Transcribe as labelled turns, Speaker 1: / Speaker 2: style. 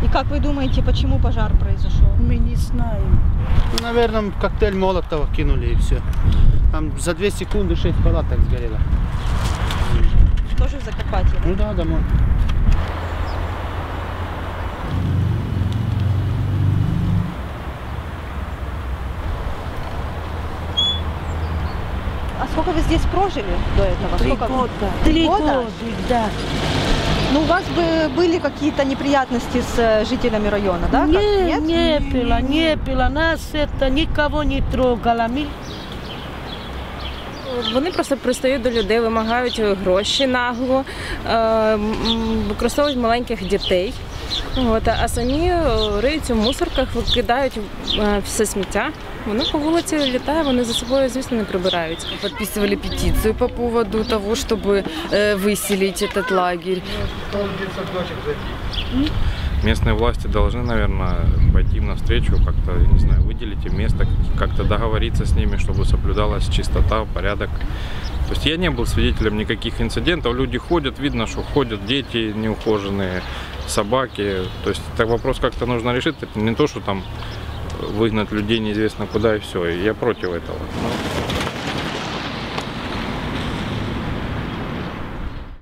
Speaker 1: И как вы думаете, почему пожар произошел?
Speaker 2: Мы не знаем.
Speaker 3: Ну, наверное, коктейль Молотова кинули и все. Там за 2 секунды 6 палаток сгорело.
Speaker 1: Тоже в Закарпатье?
Speaker 3: Ну да, домой.
Speaker 1: А сколько вы здесь прожили до этого?
Speaker 2: 3
Speaker 1: Сколько?
Speaker 2: года.
Speaker 1: 3 года?
Speaker 2: года, да.
Speaker 1: Ну, у вас бы были какие-то неприятности с жителями района, да?
Speaker 2: Нет, не было. Нас это никого не трогало.
Speaker 4: Вони просто пристають до людей, вимагають гроші нагло, використовують маленьких дітей. А самі риються в мусорках, викидають все сміття. Воно по вулиці літає, вони за собою, звісно, не прибирають.
Speaker 5: Подписывали петицию по поводу того, чтобы выселить этот лагерь.
Speaker 6: Местные власти должны, наверное, пойти им навстречу, как-то, не знаю, выделить им место, как-то договориться с ними, чтобы соблюдалась чистота, порядок. То есть я не был свидетелем никаких инцидентов. Люди ходят, видно, что ходят дети неухоженные, собаки. То есть этот вопрос как-то нужно решить. Это не то, что там выгнать людей неизвестно куда и все. Я против этого.